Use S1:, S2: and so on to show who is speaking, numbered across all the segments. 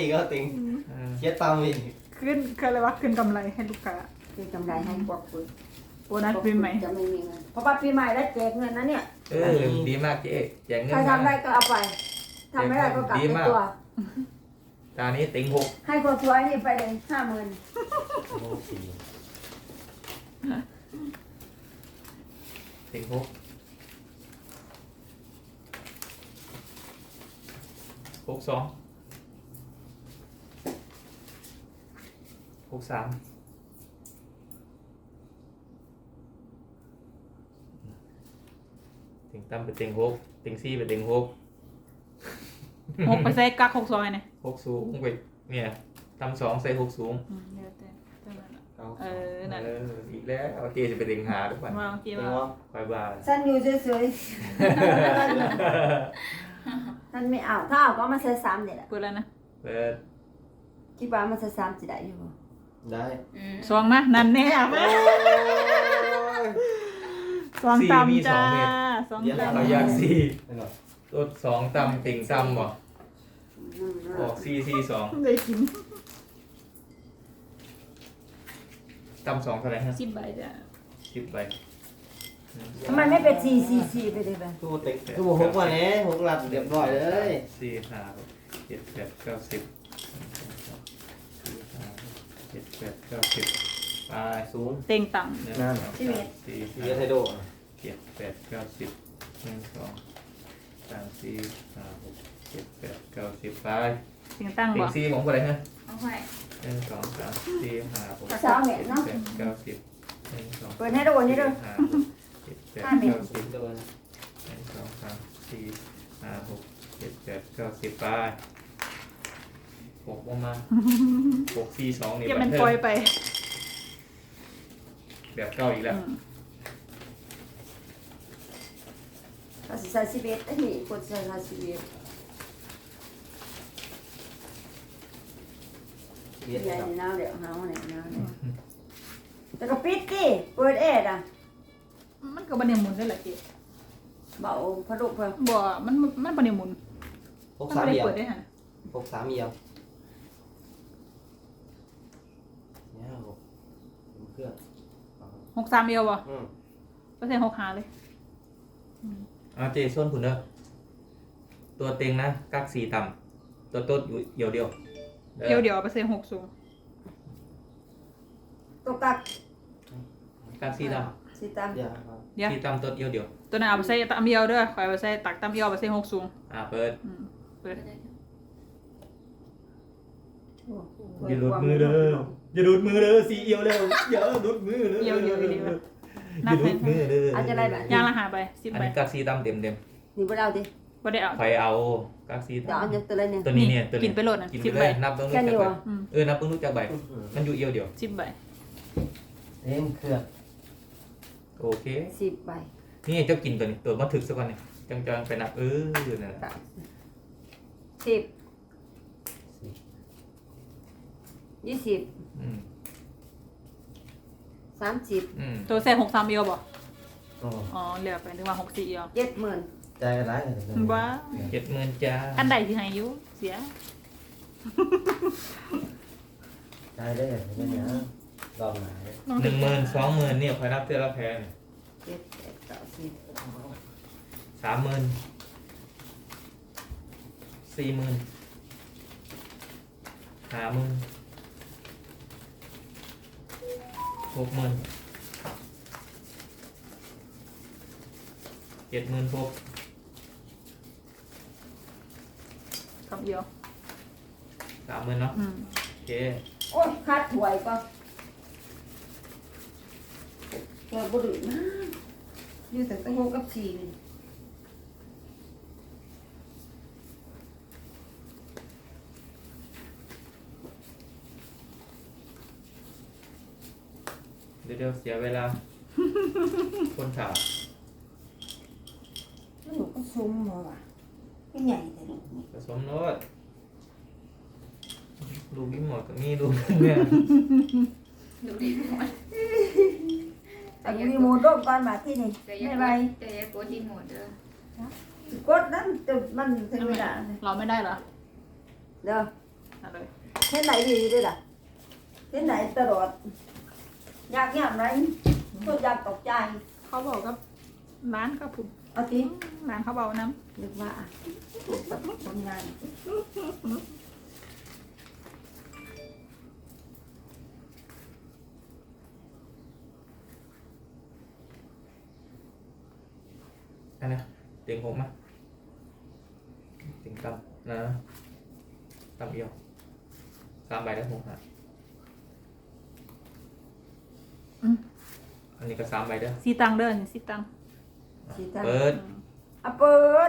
S1: อีกก็ติงเช็ดตามอีก
S2: ขึ้นคืออะไรวะขึ้นกำไรให้ลูกค้า
S3: คือกำไรให้พวกคุณ
S2: โบนัสปีใหม่
S3: จะไม่มีเงินเพราะว่าปีใหม่แล้วแจกเงินนะเนี่ย
S4: ดีมากเจ๊แจกเงิน
S3: ใครทำได้ก็เอาไปทำไม่ได้ก็กลับไปตัว
S4: ตานี้ติงหก
S3: ให้คนสวยนี่ไปเลย50,000
S1: โอ้สี่
S4: ติงหก62 63ติงตั้มเป็นติงหกติงซี่เป็นติงหก
S2: หกไปใส่กัก6 ซอยเนี่ย
S4: หกสูงไปเนี่ยตั้มสองใส่หกสูง
S2: เดี๋ยวแต่เท่านั้นน่ะ
S1: เก้า
S2: นั่น
S4: อีกแล้วเจจะเป็นติงหาทุกวัน
S2: ว่าเมื่อกี้
S1: เต็ง
S2: ว่า
S1: ว่า
S4: คอยบ้า
S3: ฉันอยู่เฉยๆฉันไม่เอาถ้าเอาก็มาใช้3เนี่ยแหละ
S2: เปิดแล้วนะ
S4: เปิด
S3: คิดว่ามันใช้3จะได้อยู่บ่
S1: ได้
S2: ซองมานั่นแน่มาซองตำจ้าซองต
S4: เราอยากสี่
S1: ไม่หรอก
S4: ตัวสองตำติ่งตำบ่ออก4 4 2
S2: ำได้กิน
S4: ตำสองเท่าไหร่ฮะ
S2: 10 ใบจ้า
S4: 10 ใบ
S3: ทำไมไม่เป็น444ไปเลยไป
S1: ตู้เต็งตู้หกวันนี้หกหลักเรียบร้อยเลย
S4: 4 5 6 7 8 9 10 7 8 9 10ไป
S1: สูง
S2: เต็งต่
S4: หนึ่ง
S1: นั่น
S4: สองสามสี่
S1: เรี
S4: ห้าย
S1: นไทโด
S4: 7 8 9 10 1 2 3 4 5 6 7 8 9 10ไป
S2: ำเต็งตั้ง
S4: ติ่
S2: บ่
S4: งซี่ของคนไหนฮะ
S5: เอาไว้
S4: 1 2 3 4 5 6
S3: สาวเนี่ยเนาะ
S4: 7 8 9 10 1 2
S3: เปิดให้ดูนี่ดู
S4: 5 6 7 8 9 10
S1: โดน
S4: 1 2 3 4 5 6 7 8 9 10ไป6มา6 4 2นี่
S2: เก็บ
S4: บั
S2: มัน น
S4: เทิ
S2: ปล่อย
S4: ง
S2: ไป
S4: แบบเก่าอีกแล้ว
S3: เขาสิใส่11อันนี้คนใส่11
S1: เรียน
S3: ใหญ่
S1: ครับ
S3: หนาวเดี๋ยวหาวเนี่ยหนาวเนี่ยแต่ก็ปิดดิเปิดแอร์อ่ะ
S2: มันก็บ่ได้หมุนได้แหละเจ๊
S3: เบาพัดลมเพิ่ม
S2: บ่มันบ่ได้หมุน
S1: หก
S2: มัน
S1: สาม
S2: บ่ได้
S1: เดียว
S2: เปิดได้ฮะ
S1: หกสามเดียวเนี่ยหกเครื่อง
S2: 63เดียวบ่
S1: อืม
S2: เปอร์เซ็นต์65เลย
S4: เจส้นผุนเด้อตัวเต็งนะกัก4ต่ำตัวโต๊ดอยู่เดียว
S2: เดี๋ยวเปอร์เซ็นต์6สูง
S3: ตกกัก
S4: กัก4ต่
S3: สิตาม
S1: เดี๋ยวครับ
S2: เดี๋ยว
S4: ำ4ต่ำตัวเดียว
S2: ตัวนั้นเอาไปใส่ตำเดียวเด้อข่อยเอาไปใส่ตักตำเดียวเปอร์เซ็นต์6สูง
S4: เปิด
S2: เปิด
S4: อย่าหลุดมือเด้ออย่าหลุดมือเด้อสีเอียวเร็วอย่าหลุดมือเด้อ
S2: เดี๋ยวดีๆ
S4: อ
S2: นั
S4: ย่า
S2: บ
S4: หลุ
S2: ให้
S4: ดมือเด้อ
S3: อาจจะได้แบบ
S2: ย่างละ5ใบ10
S4: อัน
S2: ใบ
S4: นี้กัก4ต่ำเต็ม
S3: นี่บ่เอาดิ
S2: บ่ได้เอา
S4: ไฟเอากัก4
S3: เดี๋ยวเอา
S4: ต่ำ
S3: เนี่ยตัวเลยเนี่ย
S4: ตัวนี้เนี่ยตัวนี้
S2: กินไปโลดน่ะ
S4: กิน
S2: 10
S4: ไป
S2: ใบ
S4: เลยนับเบิ่งรู้
S3: แค่
S4: จัก
S3: นี้
S4: ใบ
S3: วะ
S4: นับเบิ่งรู้จักใบมันอยู่เอียวเดียว
S2: 10ใบ
S1: เต็งเครื่อง
S4: โอเค
S3: 10ใบ
S4: นี่เจ้ากินตัวนี้ตัวมาถึกสักวันนี่จังๆไปนับอยู่นั่นแหละ
S3: 10 20
S4: อืม
S3: 30
S4: อืม
S2: ตัวใส่63เดียวบ่
S1: อ๋อ
S2: อ๋อเหลือไปถึงว่า64เดียว
S3: 70,000
S1: ใจกันร้ายกันเลย
S2: บ้า
S4: 70,000จ้า
S2: อันใดสิให้อยู่เสีย
S1: ใจได้อย่างนี้เนี่ยลองหา
S4: 10,000 20,000เนี่ยคอยนับเทื่อละแพง
S3: 7 8 9 10
S4: 30,000 40,000 50,000 60,000 76,000
S2: คำเดียว
S4: 30,000เนาะโอเค
S3: โอ้ยคาดถวยก็ตัวบุรุษนะอยู่แต่ตั้ง6กับ4นี่
S4: เดี๋ยวเสียเวลา คนถาม
S3: แล้วหนูก็ซุ่มมาว่ะไม่ใหญ่แต่ลูกนี่
S4: ผสมโน้ตลูกนี่หมดกับนี่ลูกเนี่ย
S5: ดูดีหมด
S3: แต่มีหมูร่มก่อนมาที่นี่
S5: แต่ยั
S3: ไม่
S5: ง
S3: ไร
S5: แต่ยังกดดีหมดเด้อก
S3: ดนั้นแต่มันถึงเวลาเลย
S2: เราไม่ได้เหรอ
S3: เด้อ
S2: เอาเลย
S3: เห็นไหนดีด้วยล่ะเห็นไหนตลอดอยากอย่างไรก็อยากตกใจ
S2: เขาบอกกับร้านก็ผุด
S3: เอาที
S2: ร้านเขาเบาน้
S3: นึกว่าทำงาน
S4: อันนี้เต็งหกมั้ยเต็งต่ำนะต่ำเอียว3 ใบได้6หาอันนี้ก็3 ใบเด้อ
S2: ำสีตังเดินสีตัง
S3: สีตา
S4: เปิด
S3: อ่ะเปิด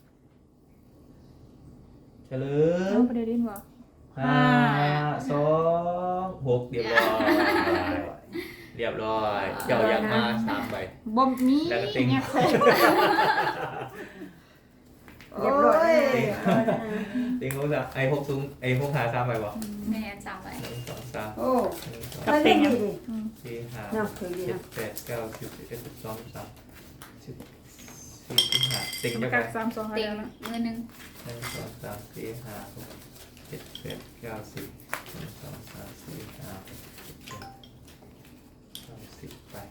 S4: เฉลย
S2: เอาไปเดี๋ยวดินวะ
S4: 5 2 6เรียบร้อยเรียบร้อยเจ้ายังมา3 ใบ
S2: บ่มี
S4: แล้วก็ติ๊ง
S2: เนี่ยใส่
S3: เรียบร้อย
S4: เต็งหกจ้ะไอ้หกสูงไอ้หกหา3 ใบบ่
S5: แม่จำไว้
S4: 1 2 3
S3: โอ้
S4: 1 2
S3: ถ้าเล่นดีดิ
S2: อืม
S4: 4 5
S3: เนาะเคยดี
S4: 7
S3: นะ
S4: 8 9 10 11 12 13 14 15เต็ง
S2: มา
S4: จะไป
S2: กัก32อะไร
S5: เต็ง
S2: นะ
S5: มือหนึ่ง
S4: 1 2 3 4 5 6 7 8 9 10 1 2 3 4 5 6 7 10ไป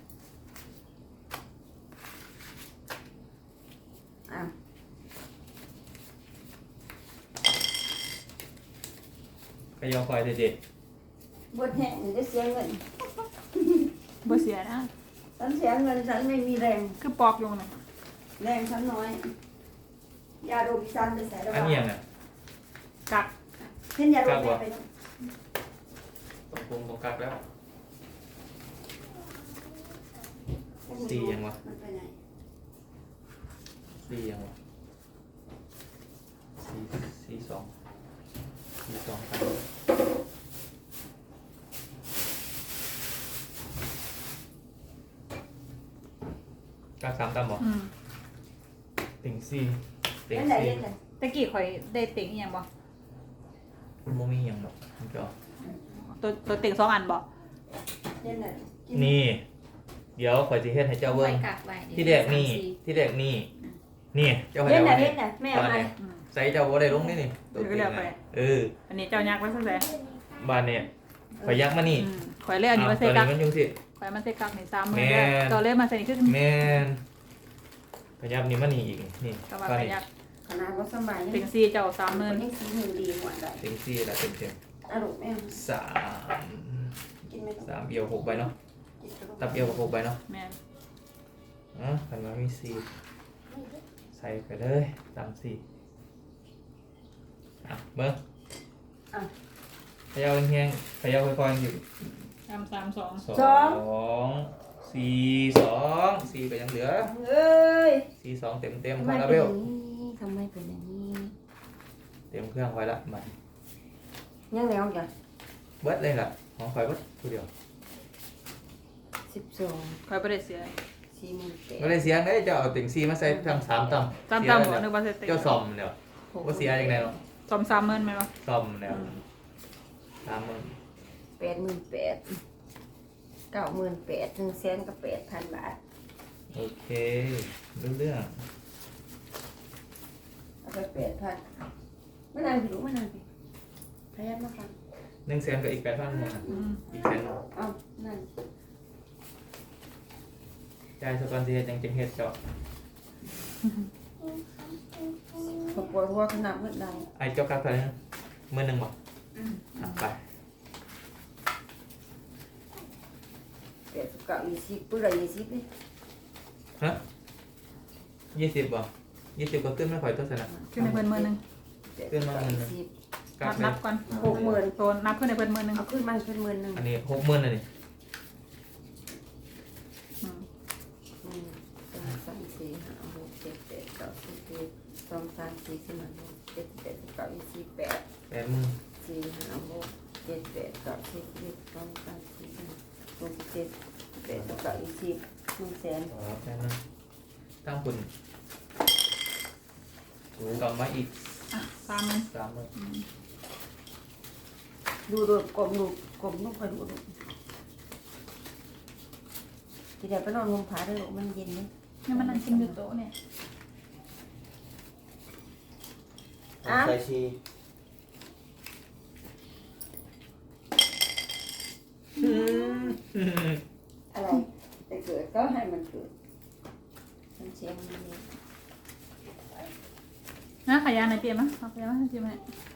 S3: อ่ะ
S4: ไปยอคอยเด็ด
S3: บดแห้งจะเสียเงิน
S2: บ่เสียนะ
S3: ฉันเสียเงินฉันไม่มีแรง
S2: คือปอกอยู่น่ะ
S3: แรงฉันน้อยยาโดบิซันไปใส่ระ
S4: ๆอัน
S3: บา
S4: นี้ยังไง
S2: กัก
S3: เช่นยาโดบิไป
S4: ตรงกลงตรงกลางแล้วสี่ยังวะ
S3: มันไปไหน
S4: สี่ยังวะสี่สองครับกลาง3 ต่ำบ่
S2: อืม
S4: ติ่งสี่ติ่ง
S3: เล่นไหน
S4: สี่
S3: เล่นไหน
S2: ตะกี้ข่อยได้เต็งอีหยังบ่
S4: โมมีหยังหรอกมันก็
S2: ตัวเต็ง2 อันบ่
S3: เล่นไหน
S4: นี่ เดี๋ยวข่อยสิเฮ็ดให้เจ้า
S5: ไว้
S4: เบิ่ง
S5: กักไว้
S4: ที่แรกนี่ที่แรกนี่นี่เจ้าให้
S3: เล่น
S4: เจ้า
S3: ไหน
S4: ไว้
S3: เล่นไหนแม่เอาไป
S2: อืม
S4: ใส่เจ้าบ่ได้ลงนี่นี่ตัวจริงนะเออ
S2: อันนี้เจ้ายักษ์ไว้ซะแซ่
S4: บ้านเนี่ยข่อยยักมานี่
S2: อืมข่อยเลยอันนี้มา
S4: ตั
S2: ใส่
S4: ว
S2: กั
S4: นี้
S2: ก
S4: มันยุ่งสิ
S2: ข่อยมาใส่กักนี่30,000
S4: แม่
S2: แล้วตัวเลยมาใส่นี่คือ
S4: แม่นข่อยยักนี่มานี่อีกนี่
S2: ก็ว่า
S4: ก็
S2: ข่อย
S4: นี่
S2: ยักษ์
S3: ขนาดว่าสบาย
S2: เต็ง4เจ้า
S3: มัน
S2: 30,000
S3: ยังสีหนึ่งดีกว่าได้
S4: เต็งสี่ละเต็งเต็ม
S3: อารมณ์แม่
S4: สาม
S3: กินไม่ต้อง
S4: 3เอียว6ใบเนาะ
S3: กินก็ต้อง
S4: ตับเอียวกับ6ใบเนาะ
S2: แม่น
S4: ขันมามีสี่ใส่ไปเลยตามสี่อ่ะเบิ้ง
S3: อ่ะ
S4: เขย่าแห้งๆเขย่าค่อยๆอยู่
S2: 332
S4: สี่ก็ยังเหลือ
S3: เอ้ย
S4: 4 2เต็มเต็ม
S3: ทำ
S4: ค
S3: ไม
S4: อร์
S3: เป็
S4: เบ
S3: นอ
S4: ล
S3: ย่างนี้ทำไมเป็นอย่างนี้
S4: เต็มเครื่องไว้ละมา
S3: ยังแล้วจ้ะ
S4: เบิดเลยล่ะของคอยเบิดตัวเดียว
S3: 12
S2: ข่อยบ่ได้เสีย
S3: 48
S4: ไม่ได้เสียงเลยจะเอาติ่งซีมาใส่ทั้ง3ต่ำ
S2: ตามบ่นึกว่าใส่เต็ง
S4: เจ้าซ่อมเดี๋ยวว่าเสียยังไงเนาะ
S2: ซ่อม30,000แม่นบ่
S4: ซ่อมเดี๋ยว30,000
S3: 88,000 98,000 100,000กับ8,000 บาท
S4: โอเครู้เรื่อง
S3: เอาไป8,000ไม่นานผิวไม่นานผิวพยายามมาฟัง
S4: 100,000กับอีก8,000หมด
S2: อืม
S4: อีกแสน
S3: เอานั่น
S4: จ่ายสกอนสิเฮ็ดจังจังเฮ็ดเจ้า
S3: ปวดหัวขนาดเมื่อใด
S4: ไอ้เจ้ากักเท่าไหร่นะ10,000บ่
S5: อืม
S4: อ่ะไป
S3: 89 20ปื้อละ20นี่
S4: ฮะ20บ่20ก็ขึ้นไม่ค่อยตัวสนะ
S2: ขึ้นในเพิ่นมื้อนึง
S4: ขึ้นมาหมื่นหนึ่ง
S3: 20
S4: กัก
S2: นั
S4: เล
S2: บ
S4: ย
S2: ก่อน
S3: 60,000
S2: โตนับขึ้นในเพิ่นมื้อนึง
S3: เอาขึ้นมาเป็นหมื่นหนึ่ง
S4: อันนี้60,000น่ะนี่
S2: อืม
S3: 1 2 3 4 5 6 7 8 9 10 11 12 13 14 15 16 17 18 19 28
S4: 80,000
S3: 4 5 6 7 8 9 10 11 12 13 14 15 16 17 18 19 20 100,000
S4: อ๋อแค่นั้นตั้งคุณกลับมาอีก
S2: อ่ะ30,000
S4: 30,000
S3: ดูดูกลมดูกลมต้องคอยดูดูทีเดียวไปนอนลงผาด้วยลูกมันเย็นเลย
S2: นี่มันนั่งกินอยู่โต๊ะเนี่ย
S1: ใส่ชี
S3: อะไรแต่เกิดก็ให้มันเกิดมันเชียงมันนี่
S2: นะขายยาหน่อยเตรียมมั้ยเอาขายยาให้เตรียมไหม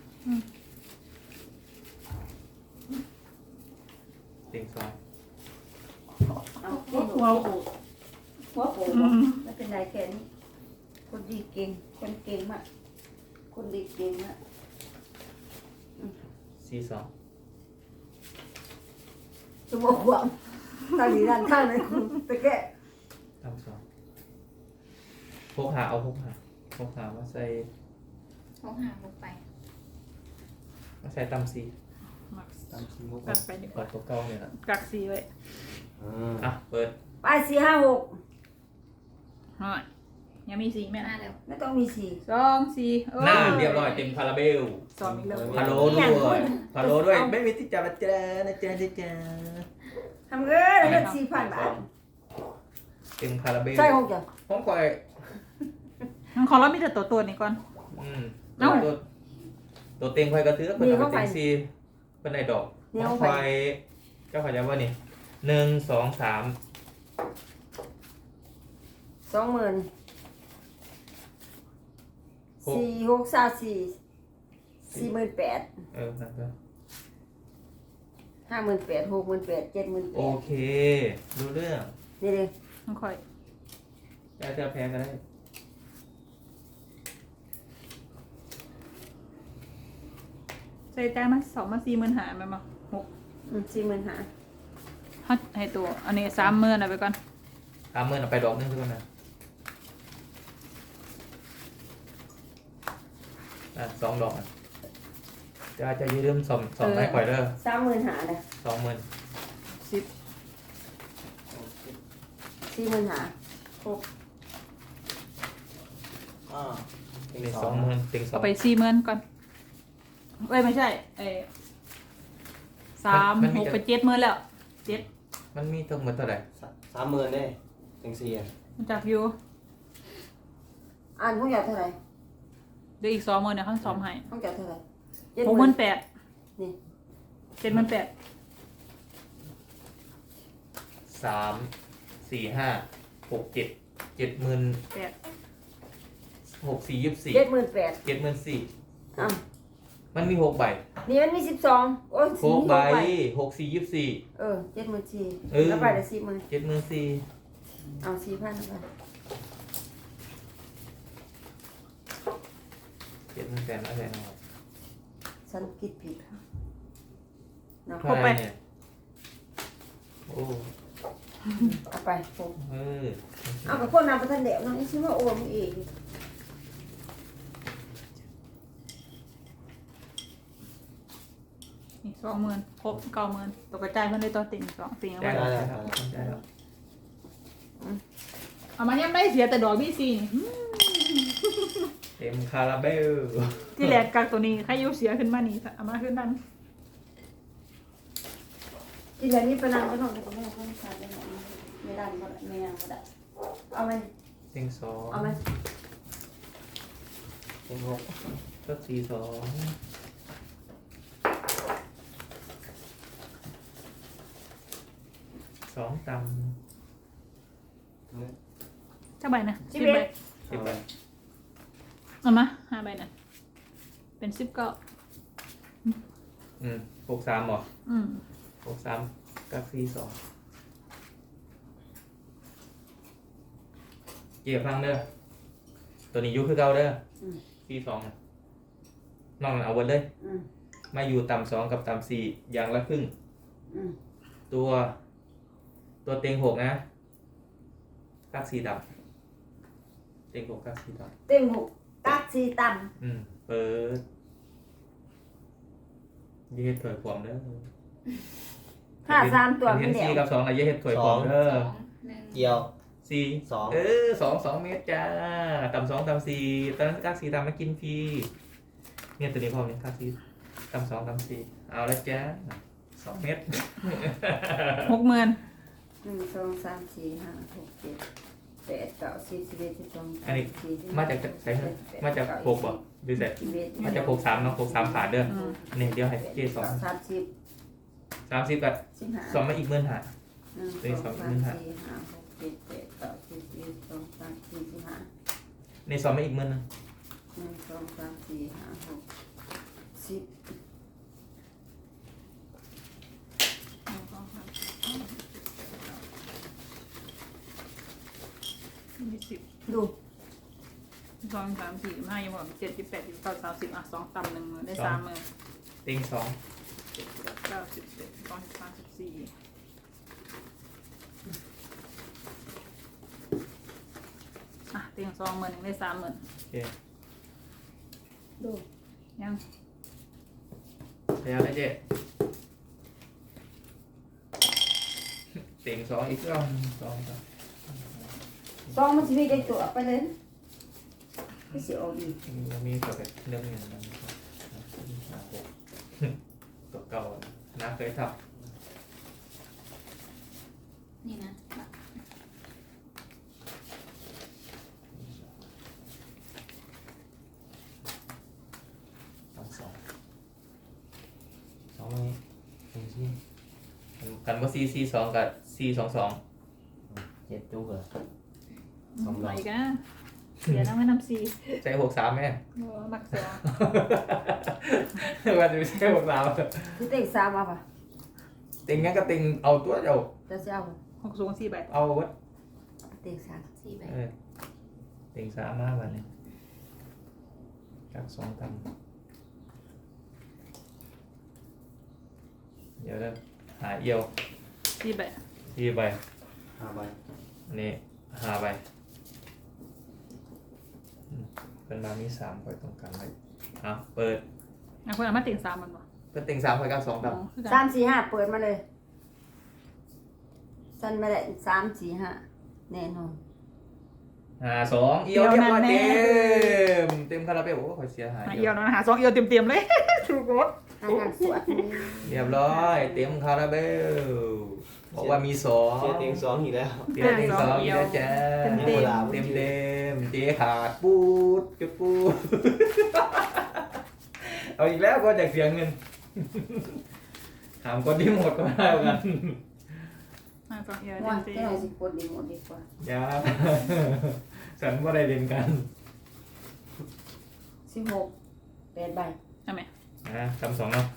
S4: เต็งสอง
S3: เอาที่หนูหัวโผล่ไม่เป็นไรแค่นี้คนดีเก่งคนเก่งมากคนดีเก่งมาก
S4: สี่สอง
S3: สมองหวังตอนนี้ด้านข้างเลยคุณตะแกะ
S4: ตำสองพกหาเอาพกหามาใส่
S5: เขาหาลงไป
S4: ตำสี่
S1: ตามสมมุติ
S2: กักไปดีก
S4: ก
S2: ว่า
S4: ดตัวเก้าเนี่ยนะ
S2: กักสีไว้
S4: อ่ะเปิด
S3: ไป4 5 6
S2: หน่อยยังมีสีไหม
S5: มา
S2: นะ
S5: แล้ว
S3: ไม่ต้องมีสี่
S2: 2 4
S4: หน้าเรียบร้อยเต็มคาราเบล
S2: สองอีกแล้ว
S4: พะโล้ด้วยพะโล้ด้วยไม่มีที่จับนะจ๊ะนะจ๊ะนะจ๊ะ
S3: ทำเงินเงิน4,000 บาท
S4: เต็มคาราเบล
S3: ใช่ของจ้ะ
S4: ผมคอย
S2: ของเรามีแต่ตัวนี้ก่อน
S4: อืม
S2: เอ้า
S4: ตัวเต็งคอยกระซื้อเพิ่นเอาไปเต็งซีเพิ่นได้ดอกผมคอยเจ้าขอย้ำว่านี่1 2 3
S3: 20,000 4 6 3 4 48,000
S4: นั่นก็
S3: 58,000 68,000
S4: โอ
S3: 78,000
S4: เครู้เรื่อง
S3: นี่เลย
S2: ต้องค่อย
S4: จะแพ้ก็ได้
S2: ใส่ใจมา2มา4 10,000หาไปมา
S3: 40,000หา
S2: ฮัดให้ตัวอันนี้30,000เอาไปก่อน
S4: 30,000เอาไปดอกนึงทุกคนนะ2 ดอกนะจะยืมสอมให้ข่อยเด้อ
S3: 30,000หาเลย
S4: 20,000
S2: 10
S3: 40,000หา
S4: นี่20,000เต็งสอ
S2: เอา
S4: ง
S2: ไป40,000ก่อนเอ้ยไม่ใช่3 6ไป70,000แล้ว7
S4: มันมีทั้งหมดเท่าไหร่
S1: 30,000เด้ถึง4อ่ะ
S2: มันจักอยู่
S3: อ่านของอยากเท่าไหร่
S2: เดี๋ยวอีก20,000เนี่ยเขาซ้อมให้
S3: ของอยากเท่าไหร่
S2: 68,000
S3: นี่
S2: 78,000
S4: 3 4 5 6 7 70,000
S2: 8
S4: 6 4 24
S3: 78,000
S4: 74,000
S3: อ้าว
S4: มันมี6ใบ
S3: นี่มันมี12โอ้ย
S4: 6ใบ
S3: มี6
S4: 6 4 24
S3: 74,000แล้วไปได้40,000
S4: 74,000
S3: เอา4,000ไป
S4: 70,000แต่ละแสนเอา
S3: ฉันคิดผิดเนาะ
S4: เท่าไหร่เนี่ยโอ้
S3: เอาไปผม
S4: เอา
S3: กับคนนำไปทันเดียวเนาะนี่ชื่อว่าโอนเอง
S2: นี่20,000ครบ90,000ตกกระจายเพิ่นได้ตัวติ่ง2ติ่งเอา
S4: ได้
S2: ไว้
S4: แล้วได้แล้ว
S2: เอามายังได้เสียแต่ดอกบี้ซีนี่
S4: เต็มคาราเบล
S2: ที่แรกกักตัวนี้ใครอยู่เสียขึ้นมานี่เอามาขึ้นนั่น
S3: ที่เหลือนี่ไปนั่งก็ต้องไปนั่งข้างซ้ายไม่ได้ไม่ยังก็ได้เอาไหม
S4: เต็งสอง
S3: เอาไหม
S1: ถึง6
S4: ก็42 2 ต่ำ
S2: ถ้าใบนะ10 ใบ
S4: 10 ใบ
S2: เอามา5 ใบนะเป็น19
S4: 63หรอ 63กับ42เก็บฟังเด้อตัวนี้อยุคือเก่าเด้อ42นะน้องเอาเบิดเลยมาอยู่ต่ำ2กับต่ำ4อย่างละครึ่งตัวเต็ง6นะกัก4ต่ำเต็ง6กัก4ต่ำ
S3: เต็มหกกักสี่ต่
S4: เปิดเย็ดถอยความเด้อ
S3: ำถ้า3ตัว
S4: เห็
S3: ไม่
S4: น
S3: เดีย
S4: 4
S3: ว
S4: กับ2อะเย็ดถอยความเด้อ
S5: 2 1
S1: เกี่ยว
S4: 4
S1: 2
S4: 2 เมตรจ้าต่ำ2ต่ำ4ตอนนั้นกัก4ต่ำมากินฟรีเนี่ยตัวนี้พร้อมเนี่ยกัก4ต่ำ2ต่ำ4เอาละจ้า2 เมตร
S2: 60,000
S3: 1 2 3 4 5 6 7 8 9 10 11 12
S4: อันนี้มาจากใส่เงินมาจาก6บ่ดูเสร็จมาจาก63เนาะ63ขาดเด้อ
S2: อืม
S4: นี่เดี๋ยวให้เจ2
S3: 30
S4: 30กับ
S3: 15
S4: 2มาอีก15
S3: 1 2 3 4 5 6 7 8 9 10 11 12 13 14 15
S4: ในซองไม่อีกมื้อนึง
S3: 1 2 3 4 5 6 10 ดู
S2: 2 3 4 5ยังบอก7 8 9 30อ่ะ2ต่ำ1ได้3มื้อ
S4: เต็งสอง
S2: 7 9 10 11 12 13 14อ่ะเตียง2มื้อนึงได้3มื้อ
S4: โอเค
S3: ดู
S2: ยัง
S4: พยายามได้เจ๊เต็งสองอีกรอบสองต่อ
S3: ซองมันจะมีได้ตัวไปเลยไม่เสียออกดี
S4: ยังมีกับแบบเรื่องหนึ่งนะตัวเก่านะเคยท
S5: นี่นะ
S1: สองนี้หนึ่งที่
S4: ำกันว่า4 4 2กับ4 2 2
S1: เจ็ดจุกเหรอ
S2: ไหนกันเสียน้ำไม่น้ำซี
S4: ใช้6 3แม่
S2: มักเสีย
S4: ว่าจะไม่ใช่6 3
S3: คือเต็งสามมาป่ะ
S4: เต็งงั้นก็เต็งเอาตัวเดียว
S3: จะเสียเอา
S2: 6 สูง4ใบ
S4: เอาวัด
S3: เต็งสาม
S5: 4ใบ
S4: เต็ง3มาวันนี้กับ2ตันเดี๋ยวเด้อหาเอี่ยว
S2: 4ใบ
S4: ที่ใบ
S1: 5 ใบ
S4: อันนี้5 ใบเป็นมามี3คอยตรงกันไว้อ่ะเปิด
S2: อ่ะคนเอามาเตียง3มันบ่
S4: เปิดเต็ง3คอยกับ2ตัน
S2: คือ
S3: สา
S2: กัน
S3: มสี่ห้าเปิดมาเลยฉันไม่ได้สามสี่ห้าแน่นอน
S4: 2เอี่ยวเรียบร้อยเต็มคาราเบลโอ้ขอเสียหาย
S2: เอียวนะหา2เอียวเต็มๆเลยถูกรถ
S3: ทางการสวด
S4: เรียบร้อยเต็มคาราเบลบอกว่ามี2
S1: เจ็ดเต็งสองอีกแล้ว
S4: เต็ม2อีกแล้วจ้าเต็มเจ๊ขาดปูดจุดปูดเอาอีกแล้วก็จากเสียเงินถามคนที่หมดก็ได้กัน
S2: 2เอียว
S3: ว่า
S2: เต็ม
S3: แค่ไหนสิคนดีหมดดีกว่า
S4: อย่าฉันว่าได้เรียนกัน
S3: 16 8 ใบ
S2: ๆใช่ไหม
S4: ทำ2เนาะ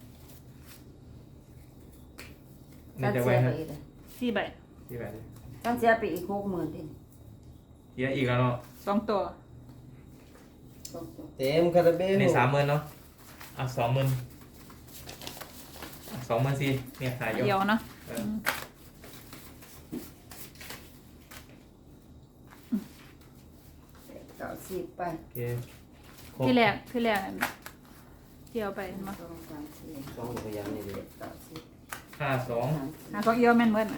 S4: นี่
S3: ฉัน
S4: จะ
S3: เสี
S4: ไว้
S3: ยไป
S4: ฮะ
S3: อีกเลย
S2: 4ใบ
S4: ที่ไหน
S3: ฉันเสียไปอีก60,000ดิ
S4: เยอะอีกแล้วเนาะ
S2: 2ตัว
S3: สองตัว
S1: เต็มคาราเบล
S4: ใน30,000เนาะอ่ะ20,000 20,000สิเนี่ยหาย
S2: เอียวเนาะ
S3: 90ไป
S4: โอเคครบ
S2: ที่แรกเที่ยวไปมา
S3: 2 3 4
S1: สองพยายามนี่ดิ
S3: 9 10
S4: 52
S2: หา2เอียวแม่นเบิ่น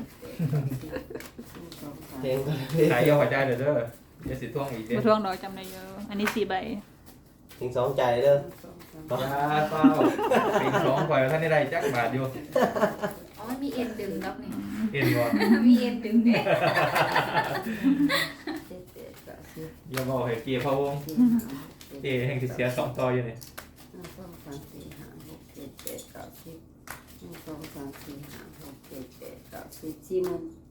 S1: เต็มคาราเบล
S4: ขายเยอะกว่าใจเด้อเดี๋ยวสิท่วงอีกเด้
S2: บ่ทวงดอกจำได้เยอะอันนี้4ใบ
S1: เต็งสองใจเด้อ
S4: อย่าเฝ้าเป็น2ข่อยท่านได้จักบาทอยู่
S5: อ๋อมันมีเอ็นดึงแล้วนี่
S4: เห็นบ่
S5: มีเอ็นดึงเนี่ย
S4: อย่าบอกให้เกียร์พะวงเกียร์แห่งที่เสีย2ต่ออยู่นี่
S3: 1 2 3 4 5 6 7 8 9 10 1 2 3 4 5 6 7 8 9 10 40,000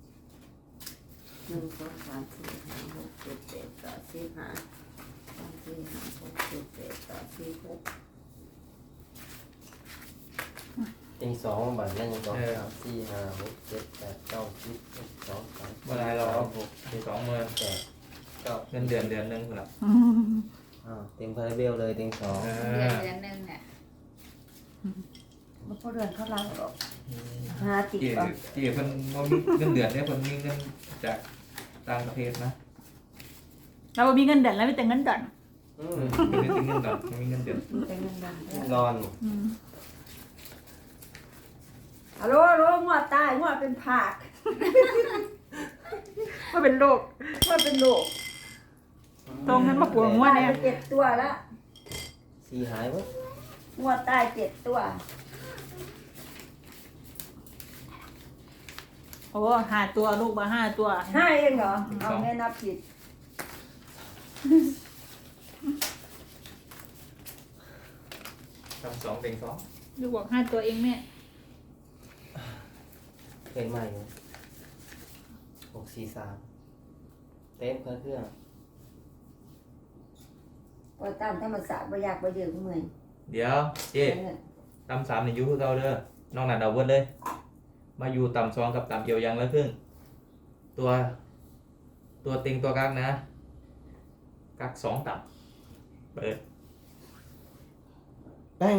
S3: 1 2 3 4 5 6 7 8 9 10 5 3 4 5 6 7 8 9 10 6
S1: เต็งสองใบนั่นยังสองสามสี่ห้าหกเจ็ดแปดเก้าสิบเอ็ดสองสาม
S4: บ่ได้หรอก
S1: หก
S4: 20,000
S1: แปดเก้า
S4: เงินเดือนนึงพุ่นล่ะ
S1: เต็มคาราเบลเลยเต็งสอง
S5: เดือนหนึงเนี่ย
S3: มันก็เดือนเขาล้างหรอกหาติด
S4: เกีย
S3: ก่อน
S4: ร์เพิ่นบ่มีเงินเดือนเนี่ยเพิ่นมีเงินจากต่างประเทศนะ
S2: เราบ่มีเงินเดือนแล้วมีแต่เงินดอน
S4: มีเงินดอกมีเงินเดือน
S3: มีแต่เงินเดือน
S1: นอน
S3: ฮัลโหลฮัลโหลงวดตายงวดเป็นผัก
S2: ว่าเป็นโรค
S3: งวดเป็นโรค
S2: ตรงนั้นมาปวดหัวเนี่ย
S3: ตายไป7 ตัวแล้ว
S1: สี่หายมั้ย
S3: งวดตาย7 ตัว
S2: โอ้หาตัวลูกมา5ตัว
S3: ห้าเองเหรอ เอาแม่นับผิด
S4: ทำ2เต็ง2
S2: ลูกบอก5ตัวเองแม่
S1: เป็นใหม่ไหม 643เต็มเครื่อง
S3: พอตามธรรมศาสตร์บ่อยากบ่เดือดเมื่อย
S4: เดี๋ยวเจ๊ตำสามนี่อยู่คือเก่าเด้อนอกนั้นเอาเบิดเลย มาอยู่ตำสองกับตำเอียวยังละครึ่งตัวเต็งตัวกักนะกักสองตำเปิด
S1: แป้ง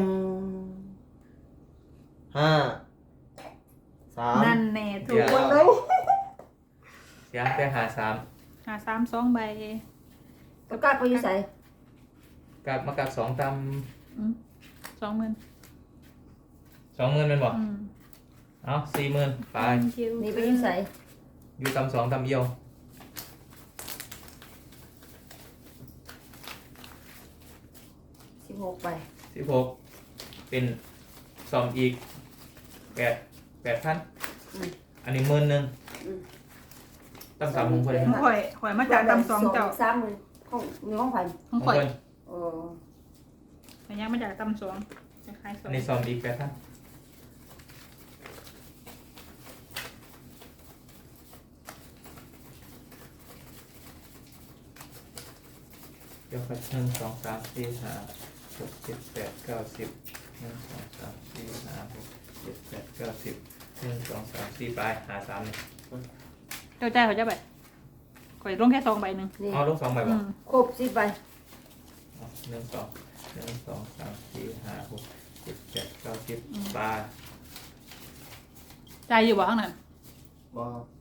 S1: ห้าสาม
S2: นั่นแน่ถู
S4: เดี๋
S2: ก
S4: ยว
S2: หมดเลย
S4: เสียงแต่หาสาม
S2: หา3 2 ใบ
S3: ก็กล้าไปอยู่ใส่
S4: กักมากักสองต
S2: 20,000
S4: 20,000เป็นบ่เอา40,000ไป
S3: นี่ไปอยู่ใส่
S4: อยู่ตำสองตำเอียว
S3: 16ไป
S4: 16เป็นซ่อมอีก8,000อันนี้10,000ตำสามของเพิ่น
S2: ของข่อยมาจากตำ2เจ้า
S3: 30,000ของมีของไผ
S2: ของ
S4: ของ
S2: ข่อย
S4: เพิ่น
S3: โอ้
S2: ข่อยยังมาจากตำ2คล้ายๆ
S4: อันนี้ซ่อมอีก8,000เดี๋ยวครับ1 2 3 4 5 6 7 8 9 10 1 2 3 4 5 6 7 8 9 10 1 2 3 4ไปหา3เนี่ย
S2: เจ้าใจเขาจะแบบข่อยลงแค่2 ใบหนึ่ง
S3: นี่
S4: เอาลง2ใบบ่
S3: ครบ10ใบ
S4: 1 2 3 4 5 6 7 8 9 10ไป
S2: ใจอยู่บ่ข้างนั้น
S1: บ่